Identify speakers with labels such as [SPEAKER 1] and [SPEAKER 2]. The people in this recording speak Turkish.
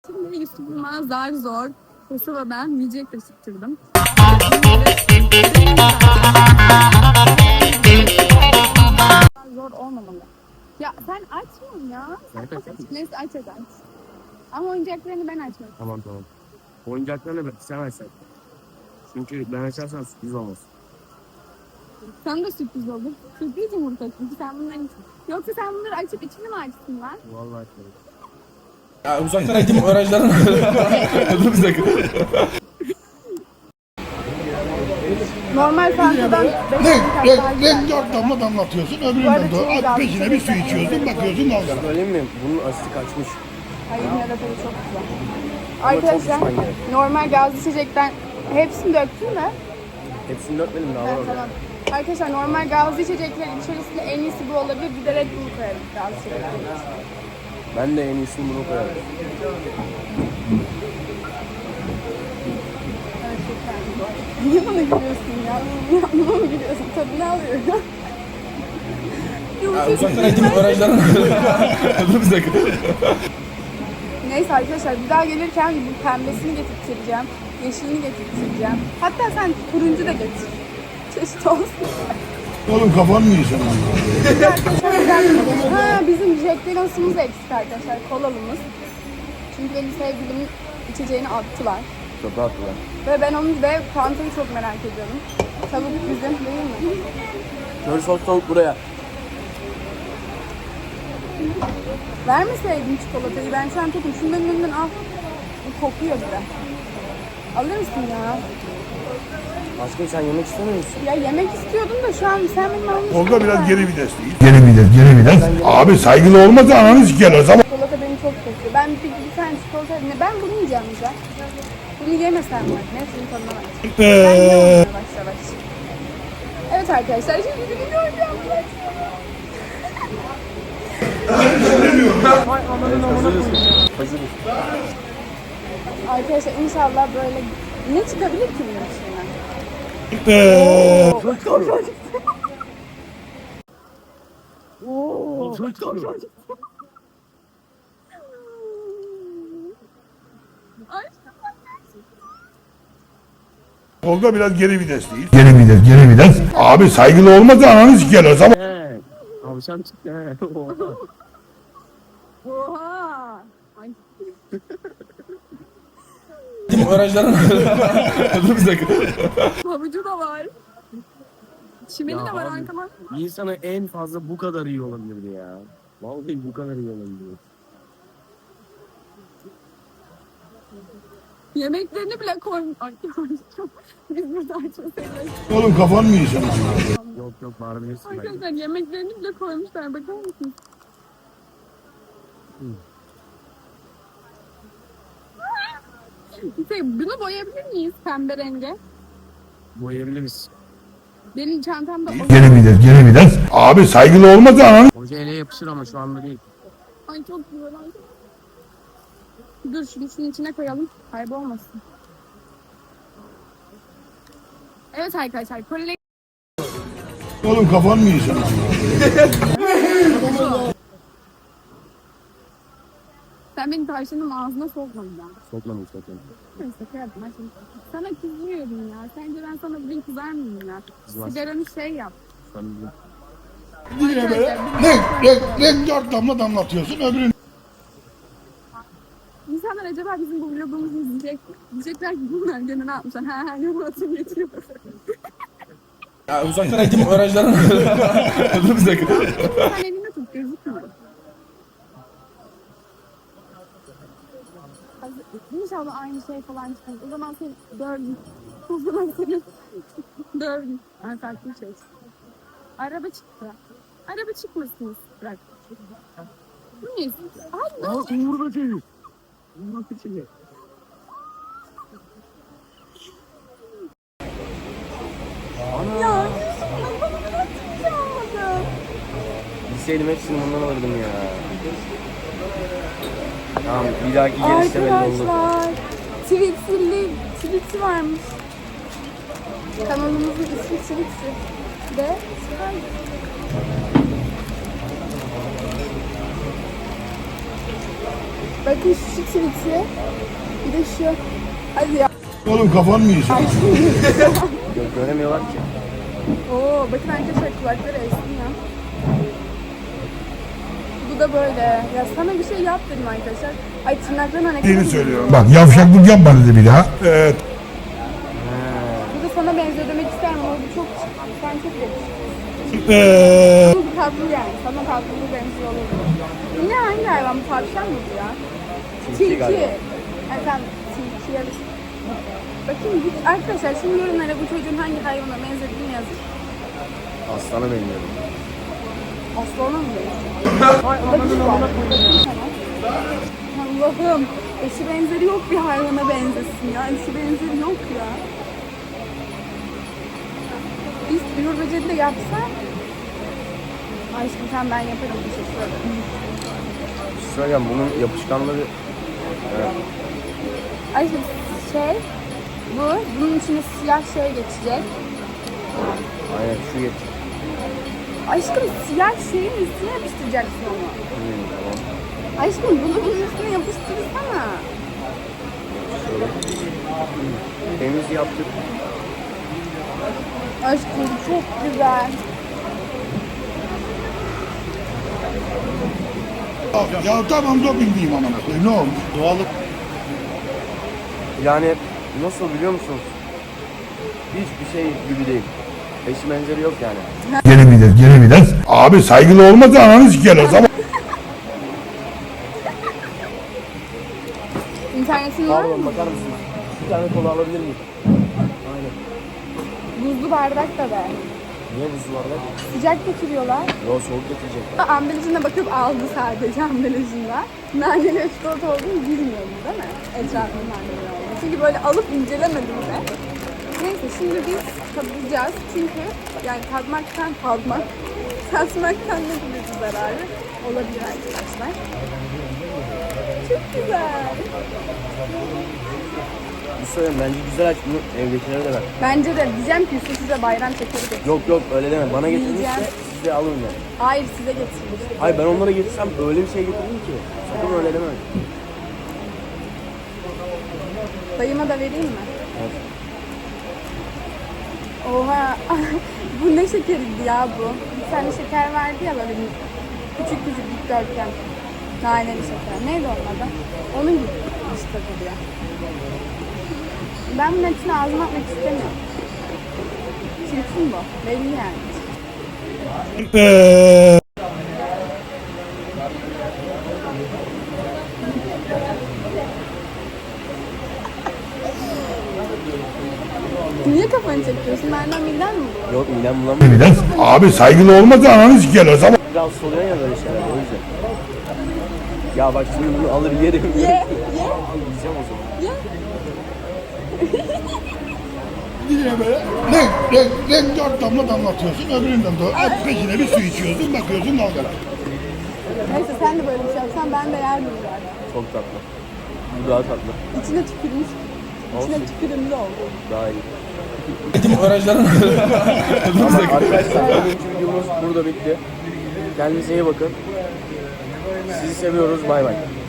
[SPEAKER 1] Şimdi Yusuf'uma zar zor Kosova'dan yiyecek taşıttırdım. Zor olmamalı. Ya sen açmıyorsun ya. Neyse aç. Ama oyuncaklarını ben açmadım.
[SPEAKER 2] Tamam. Oyuncaklarını sen açsan. Çünkü ben açarsam sürpriz olmaz.
[SPEAKER 1] Sana da sürpriz olur. Sürpriz yumurta çünkü sen bunları yoksa sen bunları açıp içini mi açtın lan?
[SPEAKER 2] Vallahi açmadım.
[SPEAKER 3] Ya uzaktan eğitim öğrencilerin dur bir dakika.
[SPEAKER 1] Normal fantadan
[SPEAKER 4] Renk 4 damla damlatıyorsun, öbüründen de peşine bir su içiyorsun, bakıyorsun dalgalar.
[SPEAKER 2] Söyleyeyim mi? Bunun asidi kaçmış.
[SPEAKER 1] Hayır, yine de tadı çok güzel. Arkadaşlar, normal gazlı içecekten hepsini döktün mü?
[SPEAKER 2] Hepsini dökmedim daha var orada.
[SPEAKER 1] Tamam. Arkadaşlar, normal gazlı içeceklerin içerisinde en iyisi bu olabilir. Bir de Red Bull koyarım gazlı içeceklerin.
[SPEAKER 2] Ben de en iyisini bunu koyarım.
[SPEAKER 1] Evet, çok beğendim bu arada. Niye bana gülüyorsun ya? Buna mı gülüyorsun? Tadını alıyor ya.
[SPEAKER 3] Ya uzaktan eğitim öğrencilerin dur bir dakika.
[SPEAKER 1] Neyse arkadaşlar, bir daha gelirken bu pembesini getirteceğim. Yeşilini getirteceğim. Hatta sen turuncu da getir. Çeşit olsun.
[SPEAKER 4] Oğlum kafan mı yiyeceksin?
[SPEAKER 1] Ha, bizim Jack Daniels'ımız eksik arkadaşlar, kolalımız. Çünkü benim sevgilimin içeceğini attılar.
[SPEAKER 2] Çok rahatlılar.
[SPEAKER 1] Ve ben onu ve Fanta'yı çok merak ediyorum. Tavuk bizim değil mi?
[SPEAKER 2] Kör sos tavuk buraya.
[SPEAKER 1] Vermeseydin çikolatayı, ben şu an tokum. Şundan önünden al. Bu kokuyor bir de. Alır mısın ya?
[SPEAKER 2] Aşkım sen yemek istemiyor musun?
[SPEAKER 1] Ya yemek istiyordum da şu an sen benim almışsın.
[SPEAKER 4] Tolga biraz geri vites değil. Geri vites. Abi saygılı olmasa ananı siker o zaman.
[SPEAKER 1] Çikolata beni çok kokuyor. Ben bir tane çikolata... Ben bunu yiyeceğim güzel. Bunu yemesem var. Nefsin tadına bak. Ben yiyorum yavaş yavaş. Evet arkadaşlar, şimdi bir video oynayacağım.
[SPEAKER 2] Hazırız.
[SPEAKER 1] Arkadaşlar inşallah böyle... Ne çıkabilir ki bunun içinden?
[SPEAKER 4] Tolga biraz geri vites değil. Geri vites. Abi saygılı olmasa ananı siker o zaman.
[SPEAKER 2] He. Tavşan çıktı he.
[SPEAKER 1] Oha! Ay.
[SPEAKER 3] Eğitim öğrencilerin dur bir dakika.
[SPEAKER 1] Havucu da var. Çimeni
[SPEAKER 2] Ya
[SPEAKER 1] de var
[SPEAKER 2] abi,
[SPEAKER 1] arkama.
[SPEAKER 2] Bir insana en fazla bu kadar iyi olabilirdi ya. Vallahi bu kadar iyi olabilirdi.
[SPEAKER 1] Yemeklerini bile koymuş. Ay, biz burada açmasaydık.
[SPEAKER 4] Oğlum kafan mı yiyeceksin?
[SPEAKER 2] Yok bağırabilirsin bence.
[SPEAKER 1] Arkadaşlar yemeklerini bile koymuşlar. Bakar mısın? Bunu boyayabilir miyiz pembe renge?
[SPEAKER 2] Boyayabiliriz.
[SPEAKER 1] Benim çantamda
[SPEAKER 4] Geri vites. Abi saygılı olmasa ananı.
[SPEAKER 2] Hoca ele yapışır ama şu anda değil.
[SPEAKER 1] Ay çok güzel. Dur şunu şunun içine koyalım. Kaybolmasın. Evet arkadaşlar. Kolye...
[SPEAKER 4] Oğlum kafan mı yiyeceksin?
[SPEAKER 1] Sen benim tavşanın ağzına sokmadın ya.
[SPEAKER 2] Sokmadım.
[SPEAKER 1] Neyse kıyardım. Ben şimdi sana kızmıyorum ya. Sence ben sana bugün kızar mıyım ya?
[SPEAKER 2] Kızmaz.
[SPEAKER 1] Sigaranı şey yap.
[SPEAKER 4] Yine böyle renk 4 damla damlatıyorsun, öbüründen.
[SPEAKER 1] İnsanlar acaba bizim bu vlogumuzu izleyecek mi? Diyecekler ki bunlar gene ne yapmışlar? Ha ne Murat'ın geçiyor.
[SPEAKER 3] Ya uzaktan eğitim öğrencilerin dur bir dakika.
[SPEAKER 1] Sen elinde tut gözükmüyor. İnşallah aynı şey falan çıkar. O zaman seni dövdüm. O zaman seni dövdüm. Ben farklı bir şey çıktı. Araba çıktı. Araba çıkmasın. Bırak. Bu ne? Ay ne oldu?
[SPEAKER 2] Uğur böceği. Uğur böceği.
[SPEAKER 1] Ya hiç almadım.
[SPEAKER 2] Bilseydim hepsini bundan alırdım ya. Tamam bir dahaki gelişte belli oldu.
[SPEAKER 1] Arkadaşlar Twixi varmış. Kanalımızın ismi Twixi. Ve Bakın şu tweet'i. Bir de şu. Hadi ya.
[SPEAKER 4] Oğlum kafan mı yiyorsun?
[SPEAKER 2] Göremiyorlar ki.
[SPEAKER 1] Oo, bakın arkadaşlar kulakları esniyor. Bu da böyle. Ya sana bir şey yap dedim arkadaşlar. Ay tırnaklarına ne
[SPEAKER 4] Yeni söylüyorum. Bak yavşaklık yapma dedi bir daha. Evet.
[SPEAKER 1] Bu da sana benziyor demek isterim ama bu çok sen çok yakışıklısın. Bu tatlı yani. Sana tatlı bu benziyor olabilir. Yine hangi hayvan? Bu tavşan mı bu ya? Tilki. Efendim tilki yarısı. Bakayım arkadaşlar şimdi yorumlara bu çocuğun hangi hayvana benzediğini yazın.
[SPEAKER 2] Aslana benziyorum.
[SPEAKER 1] Aslana mı benziyor? Allah'ım. Eşi benzeri yok bir hayvana benzesin ya. Eşi benzeri yok ya. Biz Uğur Böceği de yapsak. Aşkım sen ben yaparım. Teşekkür ederim.
[SPEAKER 2] Söyleyeceğim bunun yapışkanlığı
[SPEAKER 1] Aşkım bunun içine siyah şey geçecek.
[SPEAKER 2] aynen şu yet.
[SPEAKER 1] Aşkım siyah şeyin üstüne yapıştıracaksın onu.
[SPEAKER 2] Tamam.
[SPEAKER 1] Aşkım bunu bunun üstüne yapıştırsana.
[SPEAKER 2] Temiz yaptık.
[SPEAKER 1] Aşkım bu çok güzel.
[SPEAKER 4] Ya tamam doping diyeyim amına koyayım. Ne olmuş? Doğallık.
[SPEAKER 2] Yani nasıl biliyor musunuz? Hiçbir şey gibi değil. Eşi benzeri yok yani.
[SPEAKER 4] Gene bir de. Abi saygılı olmasa ananı siker o zaman.
[SPEAKER 1] İnternetin var mı?
[SPEAKER 2] Pardon bakar mısınız? Bir tane kola alabilir miyim? Aynen.
[SPEAKER 1] Buzlu bardak da ver.
[SPEAKER 2] Niye buzlu var lan?
[SPEAKER 1] Sıcak getiriyorlar.
[SPEAKER 2] Yo soğuk getirecek.
[SPEAKER 1] Ambalajına bakıp aldı sadece ambalajında. Naneli ve çikolata olduğunu bilmiyordu değil mi? Etrafında naneli olduğunu. Çünkü böyle alıp incelemedim de. Neyse şimdi biz tadacağız. Çünkü yani tatmaktan ne gibi bir zararı olabilir arkadaşlar. Çok güzel.
[SPEAKER 2] Bir söyleyeyim bence güzel aç bunu evdekilere de ver.
[SPEAKER 1] Bence de diyeceğim ki size bayram şekeri de.
[SPEAKER 2] Yok öyle deme. Bana getirmişse
[SPEAKER 1] Yiyeceğim.
[SPEAKER 2] siz de alın yani.
[SPEAKER 1] Hayır size getirmiş.
[SPEAKER 2] Hayır ben onlara getirsem öyle bir şey getirdim ki. Sakın öyle deme.
[SPEAKER 1] Dayıma da vereyim mi?
[SPEAKER 2] Evet.
[SPEAKER 1] Oha. Bu ne şekeriydi ya bu? Bir tane şeker vardı ya böyle küçük dikdörtgen. Naneli şeker. Neydi onun adı? Onun gibi işte duruyor. Ben bunun hepsini ağzıma atmak istemiyorum. Çirkin bu. Belli yani. Niye kafanı çekiyorsun? Benden miden mi bu?
[SPEAKER 2] Yok midem bulamıyor.
[SPEAKER 4] Bir de. Abi saygılı olmasa ananı siker o zaman.
[SPEAKER 2] Biraz oluyor ya böyle şeyler o yüzden. Ya bak şimdi bunu alır yerim.
[SPEAKER 1] Ye.
[SPEAKER 2] Yiyeceğim o zaman.
[SPEAKER 4] Yine böyle renk dört damla damlatıyorsun öbüründen de peşine bir su içiyorsun bakıyorsun dalgalar.
[SPEAKER 1] Neyse sen de böyle bir şey yapsan ben de yerdim zaten.
[SPEAKER 2] Çok tatlı. Bu daha tatlı.
[SPEAKER 1] İçine tükürmüş. İçine tükürümlü oldu.
[SPEAKER 2] Daha iyi.
[SPEAKER 3] Eğitim öğrencilerin
[SPEAKER 2] Arkadaşlar bugünkü videomuz burada bitti. Kendinize iyi bakın. Sizi seviyoruz. Bay bay.